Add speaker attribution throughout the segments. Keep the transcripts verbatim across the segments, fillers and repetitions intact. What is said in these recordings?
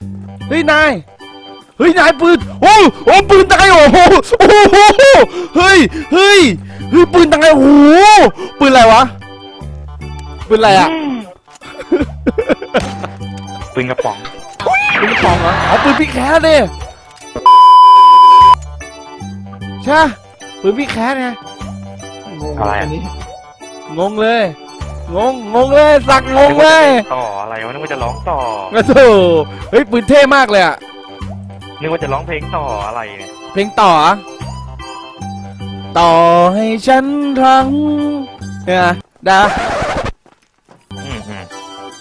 Speaker 1: เฮ้ยนายเฮ้ยนายปืนโอ้โอ้ปืนตายโอ้โหโอ้โหเฮ้ยเฮ้ยเฮ้ยปืนตายโอ้โหปืนอะไรวะปืนอะไรอะ
Speaker 2: ปืนกระป๋อง
Speaker 1: ปืนกระป๋องเหรออ๋อปืนพี่แคสดิใช่ปืนพี่แคสไง
Speaker 2: อะไรอ่ะ
Speaker 1: งงเลยงงงงเลยสักงงเลย
Speaker 2: ต่ออะไรวะนึกว่าจะร้องต่อ
Speaker 1: โอ้โหเฮ้ยปืนเท่มากเลยอะ
Speaker 2: นึกว่าจะร้องเพลงต่ออะไรเนี่ย
Speaker 1: เพลงต่ออะต่อให้ฉันทั้งเนี่ยดา
Speaker 2: อืมอืม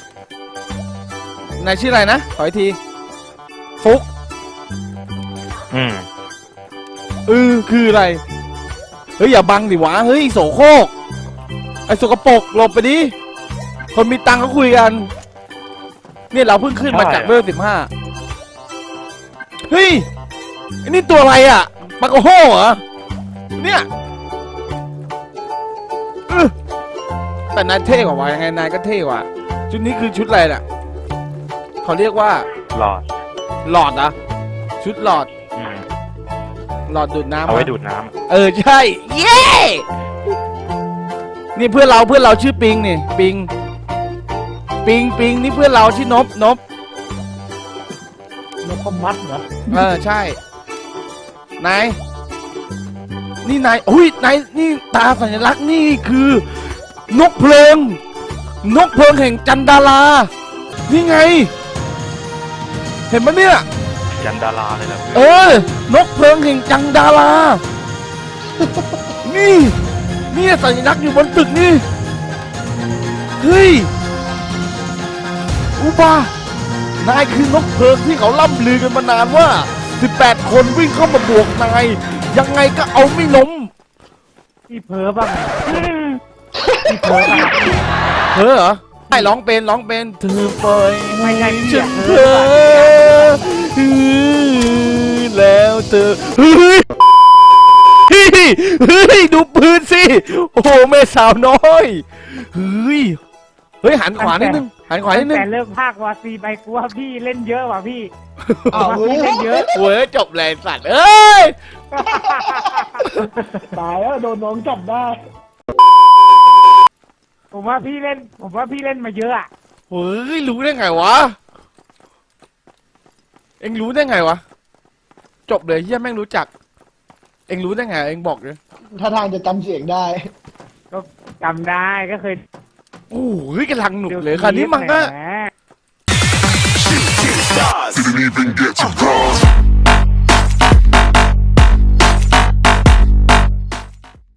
Speaker 1: นายชื่ออะไรนะขออีกทีฟุก
Speaker 2: อืม
Speaker 1: เออคืออะไรเฮ้ยอย่าบังดิวะเฮ้ยโสโครกไอ้สกปรกหลบไปดิคนมีตังค์เขาคุยกันเนี่ยเราเพิ่งขึ้นมาจากเวลสิบห้าเฮ้ยไอ้นี่ตัวอะไรอ่ะปากโกโห่เหรอเนี่ยเออแต่นายเท่กว่าวะยังไงนายก็เท่กว่าชุดนี้คือชุดอะไรน่ะเขาเรียกว่า
Speaker 2: หลอด
Speaker 1: หลอดอะชุดหลอด
Speaker 2: อืม
Speaker 1: หลอดดูดน้ำ
Speaker 2: เอาไว้
Speaker 1: อะ
Speaker 2: ดูดน้
Speaker 1: เออใช่เย้นี่เพื่อนเราเพื่อนเราชื่อปิงนี่ปิงปิงปิงนี่เพื่อนเราชื่อนบนบ
Speaker 3: นกพมัดเหรอ
Speaker 1: เออใช่นายนี่นายอุ้ยนายนี่ตาสัญลักษณ์นี่คือนกเพลิงนกเพลิงแห่งจันดารานี่ไง เห็นไหมเนี่ย
Speaker 2: ำยันดาราเลยล่ะ
Speaker 1: เออนกเพลิงแห่งจังดารานี่นี่สัญลักษณ์อยู่บนตึกนี่เฮ้ยอุบานายคือนกเพลิงที่เขาล่ำลือกันมานานว่าสิบแปดคนวิ่งเข้ามาบวกนายยังไงก็เอาไม่ล้ม
Speaker 3: พี่เพ้อบ้างพี่เพ้อบ้าง
Speaker 1: เธอเหรอไม่ร้องเป็นร้องเป็นเธอปล่อย
Speaker 3: ไม่ใช่
Speaker 1: ฉั
Speaker 3: พี่
Speaker 1: น
Speaker 3: เพ้
Speaker 1: เธ
Speaker 3: อ
Speaker 1: อแล้วเธอเฮ้ยเฮ้ยเฮ้ยดูปืนสิโอ้โหแม่สาวน้อยเฮ้ยเฮ้ยหันขวานิดนึงหันขวานิดนึง
Speaker 3: แต่เลิกภาควาซีไปกูว่าพี่เล่นเยอะว่ะพี่
Speaker 4: อ้าว
Speaker 3: ว่าพี่เล่นเยอะ
Speaker 1: โว้ยจบเลยสัตว์เอ้ย
Speaker 4: ตายแล้วโดนน้องจับได้
Speaker 3: ผมว่าพี่เล่น ผมว่าพี่เล่นมาเยอะอะ
Speaker 1: เฮ้ยรู้ได้ไงวะเอ็งรู้ได้ไงวะจบเลยเฮียแม่งรู้จักเอ็งรู้ได้ไงเอ็งบอกเลย
Speaker 4: ถ้าทางจะจำเสียงได้
Speaker 3: ก็จำได้ก็เคย
Speaker 1: โอ้ยกำลังหนุกเลยคันนี้มันก็
Speaker 3: แหม
Speaker 5: Didn't even get to